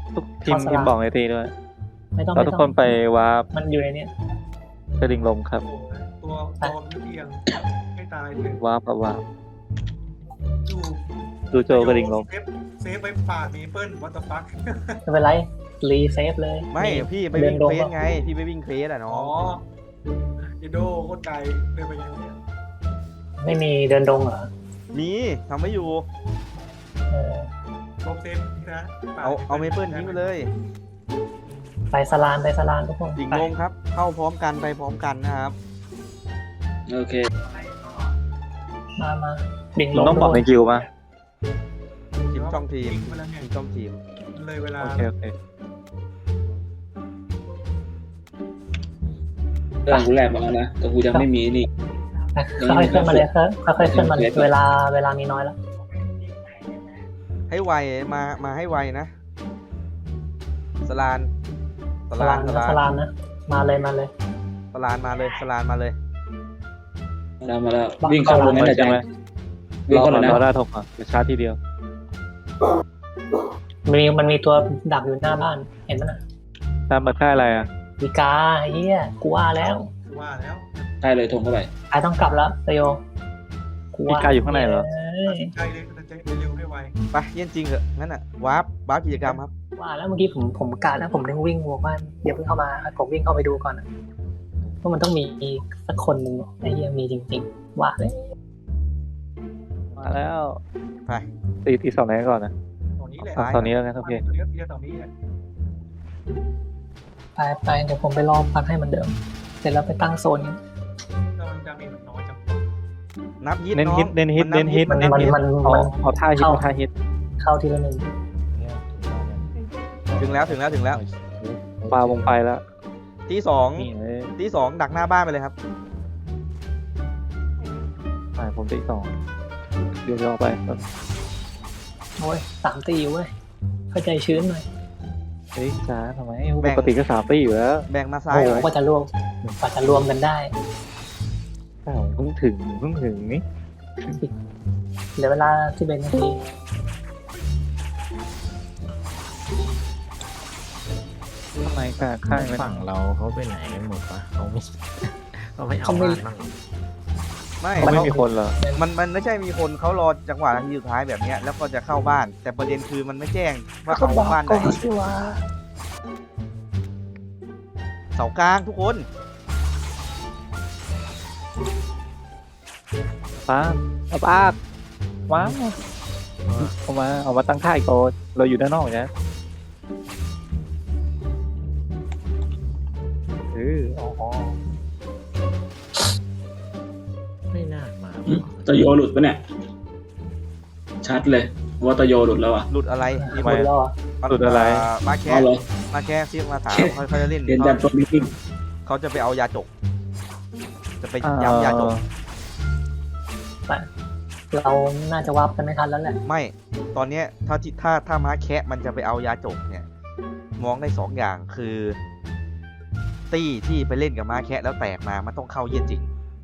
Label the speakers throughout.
Speaker 1: ทุกทีมบอกในทีด้วย
Speaker 2: ไม่ต้อง
Speaker 1: เราทุกคนไปวาร์ป
Speaker 2: มันอยู่ในนี้
Speaker 1: กระดิ่งลมครับ
Speaker 3: ตัวมันเอียงไม่ตายเลยว
Speaker 1: าร์ปกับวาร์ป
Speaker 3: ดู
Speaker 1: ดูโจกระดิ่งลม
Speaker 3: เซฟไปป่ามีเปิ้ลวัตถุฟัก
Speaker 2: ไม่เป็นไรรีเซฟเลย
Speaker 4: ไม่พี่ไป
Speaker 2: เดิ
Speaker 4: วิ่
Speaker 2: น
Speaker 4: ง
Speaker 2: ดง
Speaker 4: เควสไงพี่ไปวิ่งเควสอ่ะน้
Speaker 3: อ๋
Speaker 4: อ
Speaker 3: อง ยโดโคตรไกลเดินไปยังไง
Speaker 2: ไม่มีเดินดงเหรอ
Speaker 4: มีทำไม่อยู่
Speaker 2: เออ
Speaker 3: ลบเซฟนะ
Speaker 4: เอาเมเปิลทิ้งไปเลย
Speaker 2: ไปสลานทุกคน
Speaker 4: ดิ่ง
Speaker 2: ไป
Speaker 4: ลงครับ เข้าพร้อมกันไปพร้อมกันนะครับ
Speaker 5: โอเค
Speaker 2: มาดิ่งล
Speaker 1: มึง
Speaker 2: ง
Speaker 1: ต้องบอกใน
Speaker 2: ทุกคน
Speaker 1: คิวมา
Speaker 4: ทีมช่องทีม
Speaker 3: ไปแล้วไง
Speaker 4: ทีมช่องทีม
Speaker 3: เลยเวลา
Speaker 1: โอเคโอเค
Speaker 5: เรื่องกูแลกมาแล้วนะแต่กูยังไม่มีนี่
Speaker 2: ค่อยๆขึ้นมาเลยค่อยๆขึ้นมาเลยเวลามีน้อยแล้ว
Speaker 4: ให้ไวมาให้ไวนะสลาน
Speaker 2: สลานนะมาเลย
Speaker 4: สลานมาเลยสลานมาเลย
Speaker 5: มาแล้ววิ่งเข้าลง
Speaker 1: เล
Speaker 5: นั่นแห
Speaker 1: ย
Speaker 5: ละ
Speaker 1: ใช่ไหม
Speaker 5: วิ่งเข้าเลย
Speaker 1: รอ
Speaker 5: นะ
Speaker 1: ได้ทกอ่ะจะชาร์จทีเดียว
Speaker 2: มันมีตัวดักอยู่หน้าบ้านเห็นไหมน่ะ
Speaker 1: ตามมาค่ายอะไรอ่ะ
Speaker 2: วีกาเฮียกูว่าแล้ว
Speaker 3: ว่าแล้ว
Speaker 5: ใช่เลยทงเข้าไป
Speaker 2: ไอต้องกลับแล้วตโย
Speaker 1: มีกายอยู่ข้างในเหรอ
Speaker 3: ใกล้เลยจะเร็วให้ไว
Speaker 4: ไปเยี่ยนจริงเหอะงั้นอ่ะวาร์ปกิจกรรมครับ
Speaker 2: ว่าแล้วเมื่อกี้ผมกะแล้วผมถึงวิ่งวัวบ้านเดี๋ยวเพิ่งเข้ามาผมวิ่งเข้าไปดูก่อนเพราะมันต้องมีสักคนหนึ่งไอ้เฮียมีจริงๆว่าเลย
Speaker 1: มาแล้ว
Speaker 4: ไป
Speaker 1: ตีสองไหนก่อนนะ
Speaker 3: ตรงนี้แหละ
Speaker 1: ตอนนี้แล้วกันโอเค
Speaker 3: เรียบตรงนี้แหละ
Speaker 2: ไปเดี๋ยวผมไปรอพักให้เหมันเดิมเสร็จแล้วไปตั้งโซนกัน
Speaker 3: แล้วมันจะมีน้อยจัง
Speaker 4: นับฮิต
Speaker 1: เน้น
Speaker 4: น้อง
Speaker 1: ฮิตเน้นฮิต
Speaker 4: มั
Speaker 1: เน้นฮิต
Speaker 4: มัน
Speaker 1: เน้นฮิต
Speaker 2: มัน
Speaker 1: เอาท่าฮิตเอาท่าฮิต
Speaker 2: เข้าทีละหนึ่ง
Speaker 4: ถึงแล้ว
Speaker 1: ปลาวงไปแล้ว
Speaker 4: ที่สอง
Speaker 1: นี่เลย
Speaker 4: ที่สองดักหน้าบ้านไปเลยครับ
Speaker 1: ผมตีสองเดี๋ยวรอไป
Speaker 2: โอ้ย3 ตีเว้ยเข้าใจชื้นหน่อย
Speaker 1: เฮ้ยช้าทำไมปกติก็3 ตีอยู่แล้ว
Speaker 4: แบ่งมาซ้า
Speaker 2: โอ้
Speaker 4: ย
Speaker 2: โห
Speaker 4: หน่อย
Speaker 2: กว่าจะรวมกันได้
Speaker 1: เพิ่งถึงนี่
Speaker 2: เหลือเวลา11 นาที
Speaker 1: ทำไมกาข้างมัน
Speaker 6: ฝั่งเราเขาไปไหนกันหมดปะเขาไม่ เขาไม่เอาบ้านบ้าง
Speaker 4: ไม่
Speaker 1: ไม่มีคนเหรอ
Speaker 4: มันไม่ใช่มีคนเขารอจังหวะนาทีสุดท้ายแบบเนี้ยแล้วก็จะเข้าบ้าน แต่ประเด็นคือมันไม่แจ้งว่าเอาบ้านไหน
Speaker 2: สิว่า
Speaker 4: เสากลางทุกคน
Speaker 1: ป้าป้าว้าวเอามาตั้งค่ายก่อนเราอยู่ด้านนอกนะอ๋อ
Speaker 6: ไม่น่ามา
Speaker 5: ตะโยหลุดปะเนี่ยชัดเลยว่าตะโยหลุดแล้วอ่ะ
Speaker 4: หลุดอะไร
Speaker 2: หมดแล้วอ่ะ
Speaker 1: หลุดอะไร
Speaker 4: มาแค่
Speaker 5: เอาเลย
Speaker 4: มาแค่ซีมาถามเขาจะเล่น
Speaker 5: เรียนจันทร์ตัวมิติ้ง
Speaker 4: เขาจะไปเอายาจก จะไปย้ำยาจก
Speaker 2: เราน่าจะวับกันไม่ทันแล้วแหละ
Speaker 4: ไม่ตอนเนี้ยถ้าม้าแคะมันจะไปเอายาจกเนี่ย มองได้2 อย่างคือ ตี้ที่ไปเล่นกับม้าแคะแล้วแตกมามันต้องเข้าเยี่ยนจริง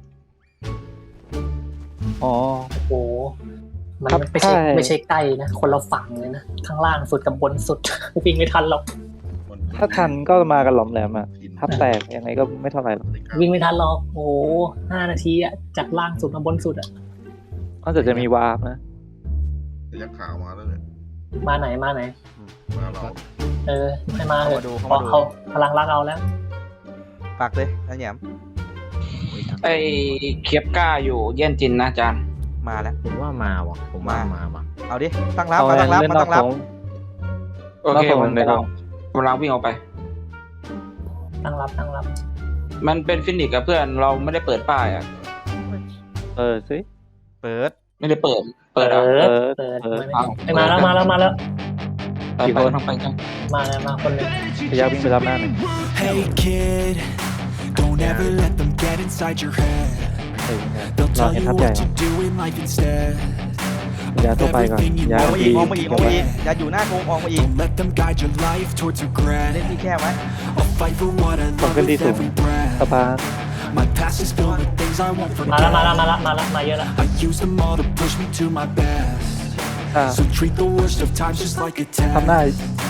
Speaker 1: อ๋อ
Speaker 2: โอ้โหมัน
Speaker 1: ครับ
Speaker 2: ไม่ใช่
Speaker 1: ใช่
Speaker 2: ใกล้นะคนเราฝั่งเลยนะข้างล่างสุดกับบนสุด วิ่งไม่ทันหรอก
Speaker 1: ถ้าทันก็มากันหลอมแหลมอ่ะทับแตกยังไงก็ไม่เท่าไหร่หรอก
Speaker 2: วิ่งไม่ทันหรอกโอ้โห5 นาทีอ่ะจากล่างสุดมาบนสุดอ่ะ
Speaker 1: นอกจากจะมีวาร์ปนะ
Speaker 7: ยักษ์ขาวมาแล้วเนี่ย
Speaker 2: มาไหน
Speaker 7: มาเรา
Speaker 2: ให้มาเถอะ
Speaker 4: เข้ามาดู
Speaker 2: เขาพลังรักเอาแล้ว
Speaker 4: ฝากเลยนะแหยม
Speaker 8: ไอเคียบก้าอยู่เยี่ยนจินนะอาจารย์
Speaker 4: มาแล้ว
Speaker 6: ผมว่ามาว่ะผมว่ามาว่ะ
Speaker 4: เอาดิตั้งรับ
Speaker 1: เอา
Speaker 4: มาตั้งรับ
Speaker 1: เล่น
Speaker 4: มาน
Speaker 1: อ
Speaker 4: ตั้
Speaker 1: ก
Speaker 4: งรับ
Speaker 1: ของ
Speaker 8: โอเค
Speaker 1: แล้วผม
Speaker 8: ผม
Speaker 1: ในห้อง
Speaker 8: กำลังวิ่งออกไป
Speaker 2: ตั้งรับ
Speaker 8: มันเป็นฟินิกส์กับเพื่อนเราไม่ได้เปิดป้ายอ่ะ
Speaker 1: สิ
Speaker 4: เปิด
Speaker 8: ไม่ได้เปิด เปิด
Speaker 2: เปิ
Speaker 8: อ่ะ
Speaker 2: ด
Speaker 8: อ้าว
Speaker 2: มาแล้ว
Speaker 8: ไปไปทางไปกัน
Speaker 2: มาคนหนึง
Speaker 1: พยายามวิ่งไปรับหน้าหน่อย
Speaker 9: Hey kid, don't ever let them get inside your head.
Speaker 1: เฮ้ย
Speaker 9: They'll
Speaker 1: รอ
Speaker 9: tell
Speaker 1: เห็น
Speaker 9: you
Speaker 1: ทับใหญ่
Speaker 9: what to do in life instead.
Speaker 1: ยาตัวไปก่อนยา
Speaker 4: ออกมาอี
Speaker 1: ดี
Speaker 4: กออกมาอีกออกมาอีกอย่าอยู่หน้าโกงออกมาอีก
Speaker 9: Don't let them guide your life towards
Speaker 4: เล่น
Speaker 9: regret.
Speaker 4: ที่แค่ไว้
Speaker 9: I'll fight for what I
Speaker 1: ผม
Speaker 9: love
Speaker 1: ขึ้นที่
Speaker 9: with
Speaker 1: สูง
Speaker 9: every
Speaker 1: ส
Speaker 9: breath.
Speaker 1: ปาร์
Speaker 9: My past is filled with things I won't
Speaker 2: มาแล้ว
Speaker 9: forget.
Speaker 2: มาเยอะแล้ว
Speaker 9: I use them all to push me to my best.
Speaker 1: ถ้า
Speaker 9: So treat the worst of times just like a
Speaker 1: ทำหน้า
Speaker 9: test.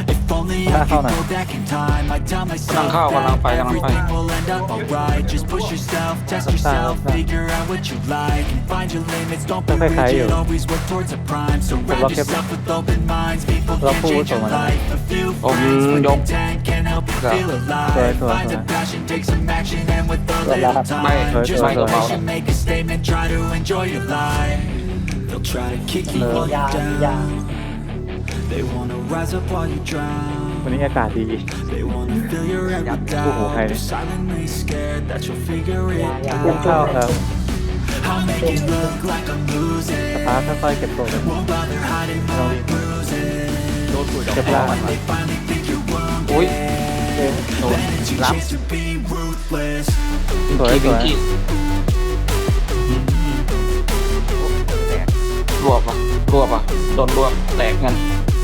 Speaker 9: If only I could go back in time, I'd tell myself that everything will end up alright. Just push yourself, test yourself, figure out what you like, and find your limits. Don't be rigid, always work towards a prime. Surround yourself with open minds. People can change your life. A few friends with intent can't help you feel alive. Find a passion, take some action, and with a little time, just make a statement, try to enjoy your life. They'll try to kick you while
Speaker 2: ยา
Speaker 9: you're
Speaker 2: ยา
Speaker 9: down. They wanna rise up while you drown.
Speaker 1: วันนี้อากาศดี
Speaker 9: They wanna fill your head with doubt. They're silently scared that you'll figure it
Speaker 2: ยา
Speaker 1: เก็บข้าวครับ
Speaker 9: I'll make it look like I'm
Speaker 1: ส
Speaker 9: losing.
Speaker 1: ภาพค่อยๆเก็บตัวเลย
Speaker 9: Won't bother hiding my bruises.
Speaker 4: โดนปุ๋ยดอก
Speaker 1: เก็บ
Speaker 4: แก้
Speaker 1: ล่าว ง
Speaker 9: When they finally think you're wounded,
Speaker 8: อุ้ย
Speaker 9: then it's your chance to be ruthless.
Speaker 1: สวยสวย
Speaker 8: รวบอ่ะโดนรวบแตกกัน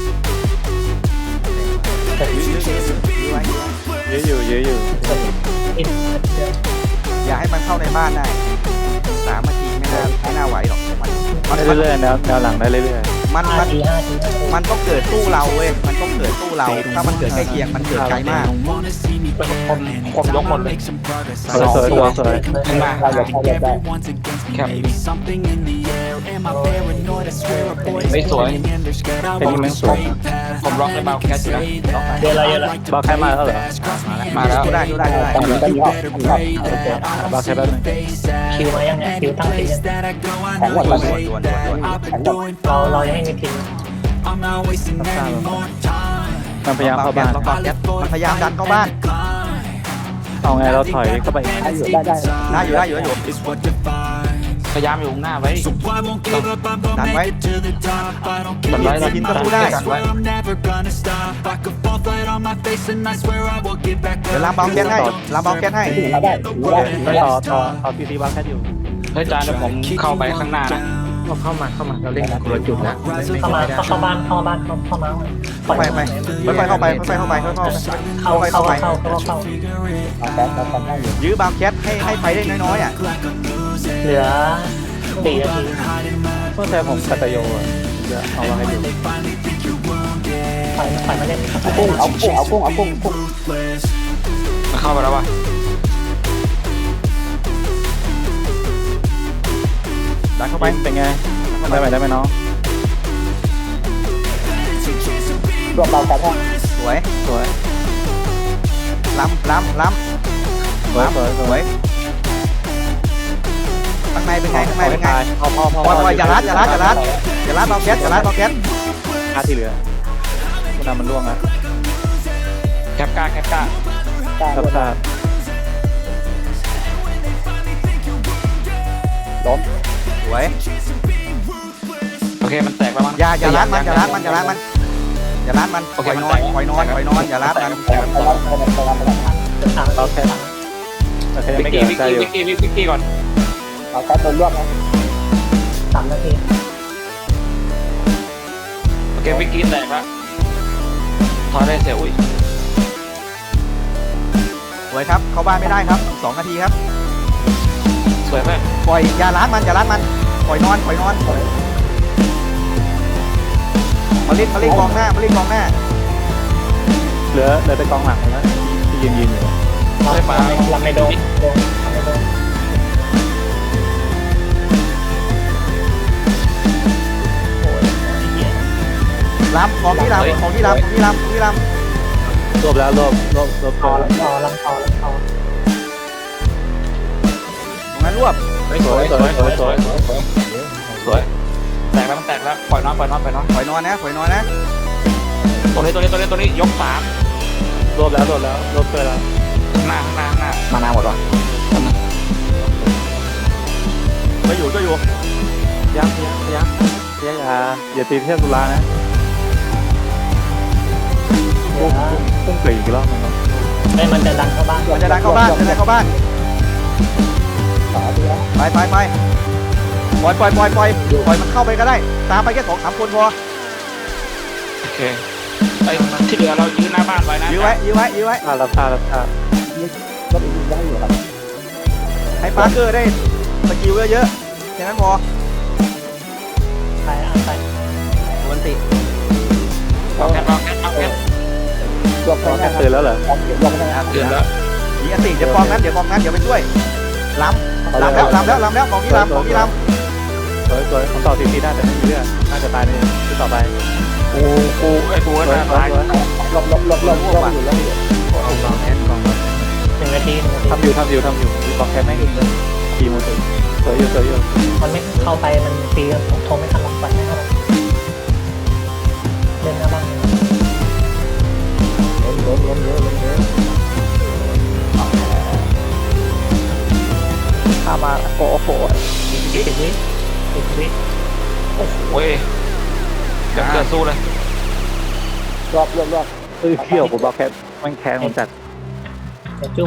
Speaker 1: ยื้ออยู่
Speaker 2: อินเดียว
Speaker 4: อย่าให้มันเข้าในบ้านได้3 นาทีไม่น่าไหวหรอกมัน
Speaker 1: ได้เรื่อยๆแนวหลังได้เรื่อย
Speaker 4: มัน
Speaker 2: 5 ที
Speaker 4: มันต้องเกิดตู้เราเว้ยมันต้องเกิดตู้เราถ้ามันเกิดใกล้เคียงมันเกิดไกลมาก
Speaker 9: Don't wanna see me falling. If I wanna make some progress,
Speaker 1: ๆสวย
Speaker 8: ขึ้นมา
Speaker 9: everyone's against me. Maybe something in the air. Am I paranoid? I swear a boy is pointing and they're scared. I walk the straight path.
Speaker 8: ผมล็อกในเบาแคสอยู่นะ
Speaker 2: เยอะเลย
Speaker 1: บอลแค่มาแล้วเหรอ
Speaker 8: มาแล้ว
Speaker 4: ดูได้
Speaker 9: You better pray that I don't
Speaker 1: Bác
Speaker 9: see
Speaker 1: cái đó
Speaker 9: your
Speaker 1: này.
Speaker 9: face at
Speaker 2: คิวมายังไงคิว
Speaker 9: any
Speaker 2: ตั้งที
Speaker 9: place
Speaker 2: ยัง
Speaker 9: that I go. I know you hate that. I've been doing
Speaker 2: เรา
Speaker 9: fine.
Speaker 2: ยังไม่มีพิมพ์
Speaker 9: I'm not wasting any more time.
Speaker 1: มันพยายามเข้าบ้าน
Speaker 4: ล็อกแก๊สมันพยายามดันเข้าบ้าน
Speaker 1: เอาไงเราถอยเข้าไปยังไง
Speaker 4: ได้อยู่
Speaker 9: Is what defines.
Speaker 8: พยายามอยู่ข้างหน้าไว้
Speaker 9: So I won't give up, I'm gonna
Speaker 4: Done,
Speaker 9: make
Speaker 4: right?
Speaker 9: it to the top. I don't care
Speaker 8: Done, right?
Speaker 9: if
Speaker 4: Done,
Speaker 9: I
Speaker 4: right?
Speaker 9: swear I'm never gonna stop. I could fall flat on my face and I swear I will get back
Speaker 4: เดี๋ยว
Speaker 9: up.
Speaker 4: ลามเบาแก๊สให้ลามเบาแก๊สให้
Speaker 1: ไม่ต่อตีบอลแค่อยู่
Speaker 8: เฮ้ยจานเดี๋ยวผมเข้าไปข้างหน้านะ
Speaker 6: เข้ามาเราเล่นกันคนละจุดแล้ว
Speaker 2: เข้ามาเข้าบ้านเข้ามา
Speaker 4: เข้าไปค่อยๆเข้าไปค่อยๆเข้าไปค่อยๆเข้าไป
Speaker 2: เข้า
Speaker 4: ยื้อบางแคทให้ไปได้น้อยๆอ่ะ
Speaker 2: เหลือ4 นาที
Speaker 1: เพื่อแทนผมกัตโยอ่ะจะเอามาให้ดู
Speaker 2: ไปมาเล่น
Speaker 8: มันเข้าไปแล้ววะ
Speaker 4: ดันเข้าไป
Speaker 1: เป็นไงได้ไหมน้อง
Speaker 2: รวมเรากันให้
Speaker 4: สวย
Speaker 1: สวย
Speaker 4: ล้ำ
Speaker 1: สวย
Speaker 4: ข้างในเป็นไงข้างในเป็นไง
Speaker 1: พอ
Speaker 4: ปล่อยอย่าลัดเบาแก๊ส
Speaker 1: ค่าที่เหลือคุณนำมันล่วงนะ
Speaker 8: แคปก้า
Speaker 1: ครับครับ
Speaker 4: สวย
Speaker 8: โอเคมันแตกแล้วมั้ง
Speaker 4: อย่าลัดมันอย่าลัดมันปล่อยนอนอย่าลัดมัน
Speaker 1: เราแค่ยัง
Speaker 8: วิ
Speaker 1: ไม่
Speaker 8: ก
Speaker 1: เกิ
Speaker 8: กี้
Speaker 1: ดใจอยู่
Speaker 8: วิกกี้ก่อน
Speaker 2: 3 นาที
Speaker 8: โอเควิกกี้แตกแล้วถอยได้เสียอุ้ย
Speaker 4: สวยครับเข้าบ้านไม่ได้ครับ2 นาทีครับ
Speaker 8: สวยเพื่อน
Speaker 4: ปล่อยอย่าลัดมันปล่อยนอนมาเล่นกองหน้า
Speaker 1: เหลือแต่กองหลังแล้วที่ยืนอยู่
Speaker 8: ได้ปลา
Speaker 2: ลำไม่โดน
Speaker 4: ล้ำของที่ล้ำ
Speaker 1: รวบแล้วรวบ
Speaker 2: พอลำพอ
Speaker 4: ตรงนั้นรวบ
Speaker 1: สวย
Speaker 8: แตกแล้วมันแตกแล้วปล่อยน้อง
Speaker 4: ปล่อยนอนนะ
Speaker 8: ตัวนี้ยก3
Speaker 1: รวบแล้วรวบเกินแล้ว
Speaker 8: ข้างหน้ามานาหมดวะ
Speaker 4: ก็อยู่
Speaker 1: ยักอย่าตีเทียบตุลานะพุ่งเกลีอีกรอบนึงเนาะ
Speaker 2: มันจะดันเข้าบ้าน
Speaker 4: มันจะดันเข้าบ้านไปปล่อยมันเข้าไปก็ได้ตามไปแค่2-3 คนพอ
Speaker 8: โอเคไอ้ที่เหลือเรายืนหน้าบ้านไว้นะ
Speaker 4: ยื้อไว้
Speaker 1: รับทราบ
Speaker 4: ให้ปาร์เกอร์ได้สกิลเยอะๆแค่นั้นพอ
Speaker 2: ไป
Speaker 4: วันติ
Speaker 8: เอาแคป
Speaker 1: รวบแค่ตื่นแล้วเหรอ
Speaker 8: เดือนแล้ว
Speaker 4: มีอันติเดี๋ยวกองนั้นเดี๋ยวไปช่วยล้ำแล้วกองนี้ล้ำกองนี้ล้ำ
Speaker 1: สวยผมต่อทีได้แต่ไม่มีเลือดน่าจะตายในที่ต่อไป
Speaker 8: กูก็น่าตาย
Speaker 1: ลบอยู่แล้ว
Speaker 6: เอาบอลแอดกองมา
Speaker 2: 1 นาที
Speaker 1: ทำอยู่มีบล็อกแค่ไม่ถึงทีมถึงสวยอยู่
Speaker 2: มันไม่เข้าไปมันตีผมโทรไม่ทันหรอกไปไม่ทันหรอกเล่นหน้าบ้าน
Speaker 6: ล้มเยอะ
Speaker 1: ข้ามาโอ้โห
Speaker 2: 10 วิ10 วิ
Speaker 8: โอ้ยเดี๋ยวเกิดสู้เลย
Speaker 1: รอบเขี้ยวผมบล็อกแค่มันแข็งมันจัด
Speaker 2: อย่าจุ่ม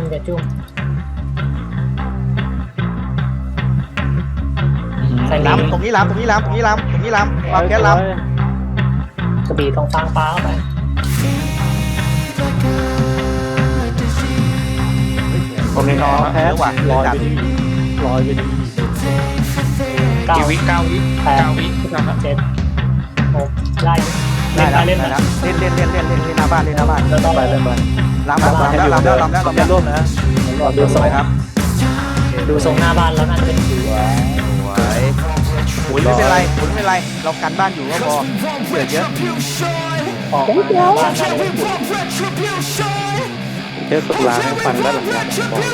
Speaker 2: ใส่
Speaker 4: ล้ำตรงนี้ล้ำวางแก๊สล้ำ
Speaker 2: กระบี่ทองฟางฟ้าเข้าไป
Speaker 8: คนนี้น้อง
Speaker 1: แพ้ว่ะลอยไปดี
Speaker 8: 9 วิ 9 วิ
Speaker 2: 8 7 6ไล่
Speaker 4: ได้
Speaker 2: เล่น
Speaker 4: แล้วเล่นหน้าบ้านล้ำ
Speaker 1: เล่นไป
Speaker 4: แล้ว
Speaker 1: ร่วมนะ
Speaker 2: ดูทรง
Speaker 4: ครับ
Speaker 2: ดูทรงหน้าบ้านแล้วน่าจะเป็น
Speaker 4: ไม่เป็นไรเรากันบ้านอยู่ก็พอเกิดเยอะ
Speaker 2: ออกมาหน้าบ้านน่าจะเป็น
Speaker 1: เทสตุลาให้ฟันด้านหลังบอก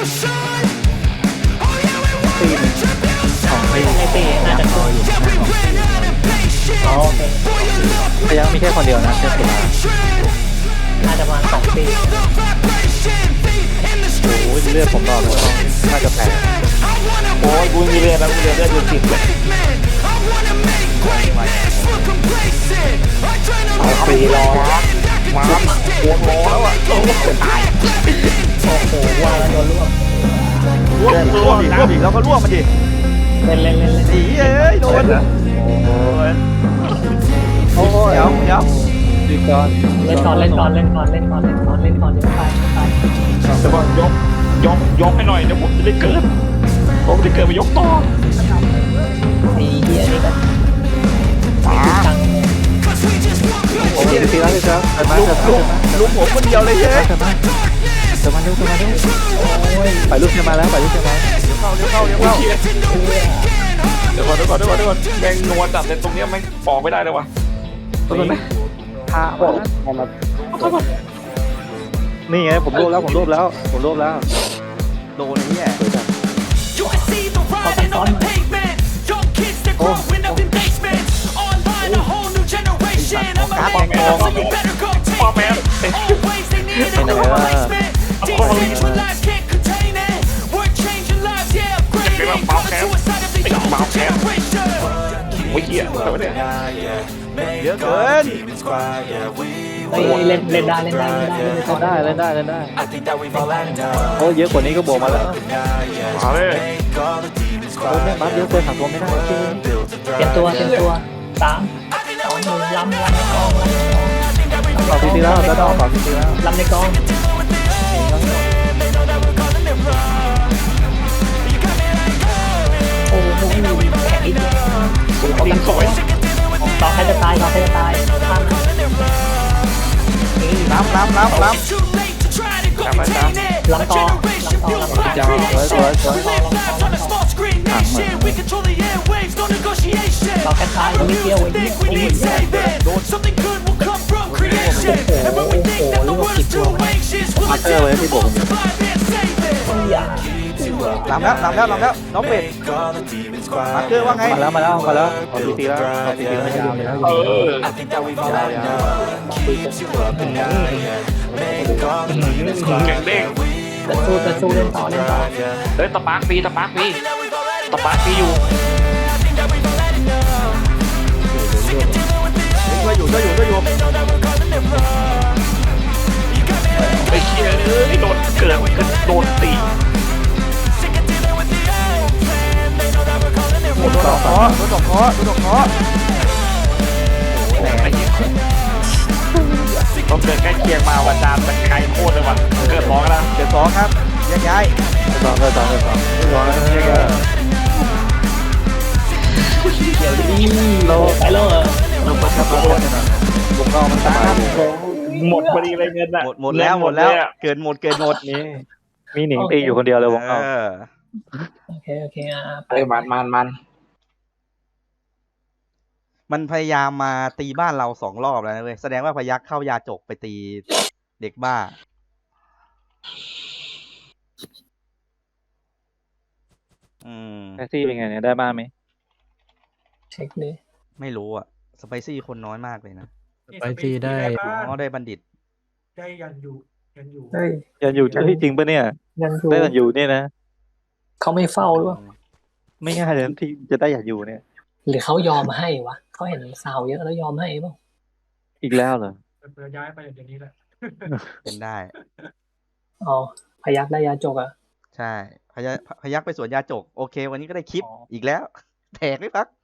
Speaker 1: ตีนของไม่
Speaker 2: ไม่ตีน่าจะตัวอยู่อ๋อโอเค
Speaker 1: พยังมีแค่คนเดียวนะเทสตุลา
Speaker 2: น่าจะประมาณ2 ปี
Speaker 1: โอ้ยเลือดผมรอแล้วน่าจะแพ้
Speaker 8: โอ้ยกูมีเรือแล้วกูเรือได้อยู่10เลย
Speaker 2: เอาปีรอ
Speaker 8: มาปวดโมแล้วอ่ะ
Speaker 2: โอ้โหว่าแล้วโดนร่วง
Speaker 4: ร่วมอีกแล้วก็ร่วมมันดิ
Speaker 2: เล่น
Speaker 4: สีเอ้ยโดนโอ้ยเดี๋ยว
Speaker 1: ดีก่อน
Speaker 2: เล่นก่อนเดี๋ยวไป
Speaker 8: แต่ว่ายกให้หน่อยเดี๋ยวผมจะได้เกิดมายกต่อ
Speaker 2: ตีเฮียนี่กันตัง
Speaker 1: โอ้ยตีแล้วเดินมา
Speaker 4: ลุงผมคนเดียวเลยเฮ้ย
Speaker 1: เร็วไปลูกเชียร์มาแล้วเชียร์มา
Speaker 4: เร็วเข้า
Speaker 8: เดี๋ยวก่อนแม่งนวลจัดเลยตรงเนี้ยแม่งออกไม่ได้เลยวะตรงนั้น
Speaker 1: พาออกนี่ไงผมรวบแล้ว
Speaker 4: โดนนี่แหละ การแข่งกอง
Speaker 8: ป้าแม่ โอ้ยเหี้ยอะไรวะเนี่ย
Speaker 4: เยอะเกิน
Speaker 2: เล่นได้
Speaker 1: โอ้เยอะกว่านี้ก็บวกมาแล้ว
Speaker 8: มาเลย
Speaker 1: โอ้แม่บัฟเยอะเกินหักตัวไม่ได้จริง
Speaker 2: เตรียมตัว3 2 1ล้ำในกอง
Speaker 1: ต่อทีแล้วจะต้องต่อทีแล้ว
Speaker 2: ล้ำในกองโอ้โหแข็งอีกตีสวยต่อใครจะตายข้าม
Speaker 4: ล้ำ
Speaker 8: จับไปจ้า
Speaker 2: ล้ำต่อ
Speaker 8: จ้า
Speaker 1: สวย
Speaker 2: ต่อแค่ตายไม่เกี่ยวไอ้โดนลูกจิตตัว
Speaker 1: มาเตอร์ไว้ที่บวก
Speaker 4: ล้ำแล้วน้องเป็ดมาเกอร์ว่าไง
Speaker 1: มาแล้วต่อทีแล้วไม่ยาวเลย
Speaker 8: แข่งเด้ง
Speaker 2: จะสู้เล่นต่อ
Speaker 8: เฮ้ยตะปาร์คปีอยู่
Speaker 4: ช่วยอยู่
Speaker 8: ไอ้เหี้ยโดนเกิดโดนตี
Speaker 4: โดนดอกเคาะ
Speaker 8: ไอ้เหี้ยต้องเกิดใกล้เคียงมาวันจานแต่ไกลโคตรเลยว่ะเกิดร้องแล้ว
Speaker 4: เดี๋ยว2ครับย้าย
Speaker 1: ต่อเรา
Speaker 2: ไปเลย
Speaker 1: เราเปิดกระเป๋าบุกนอกมันสบาย
Speaker 8: หมดพอดีเลยเงินอะ
Speaker 4: หมดแล้วหมดแล้ว
Speaker 8: เงิน
Speaker 4: เกินหมด
Speaker 1: นี่มีหนิงตีอยู่คนเดียวเลยวงนอก
Speaker 2: โอเคโอเคไป
Speaker 8: เอ้ยมัน
Speaker 4: มันพยายามมาตีบ้านเรา2 รอบแล้วนะเว้ยแสดงว่าพยัคฆ์เข้ายาจกไปตีเด็กบ้า
Speaker 1: แท็กซี่เป็นไงเนี่ยได้บ้านไหม
Speaker 2: เช็คดิ
Speaker 4: ไม่รู้อ่ะ สไปซี่คนน้อยมากเลยนะ
Speaker 6: ไปที่ได้
Speaker 4: อ๋อได้บัณฑิต
Speaker 3: ได้ยันอยู่
Speaker 2: เฮ้ย
Speaker 1: ยันอยู่เฮ้ยจริงปะเนี่ย
Speaker 2: ยังอยู่
Speaker 1: ได้ยันอยู่เนี่ยนะ
Speaker 2: เขาไม่เฝ้าหรือเปล่า
Speaker 1: ไม่ง่ายเลยนะที่จะได้ยันอยู่เนี่ย
Speaker 2: หรือเขายอมให้วะเขาเห็นสาวเยอะแล้วยอมให้เปล่า
Speaker 1: อีกแล้วเหรอ
Speaker 3: เปิดย้ายไปอย่างนี้แหละ
Speaker 4: เป็นได้
Speaker 2: อ๋อพยักได้ยาจกอ่ะ
Speaker 4: ใช่พยัคฆ์ไปสวนยาจก โอเค วันนี้ก็ได้คลิป
Speaker 1: อ๋อ
Speaker 4: อีกแล้ว แตกไม่พัก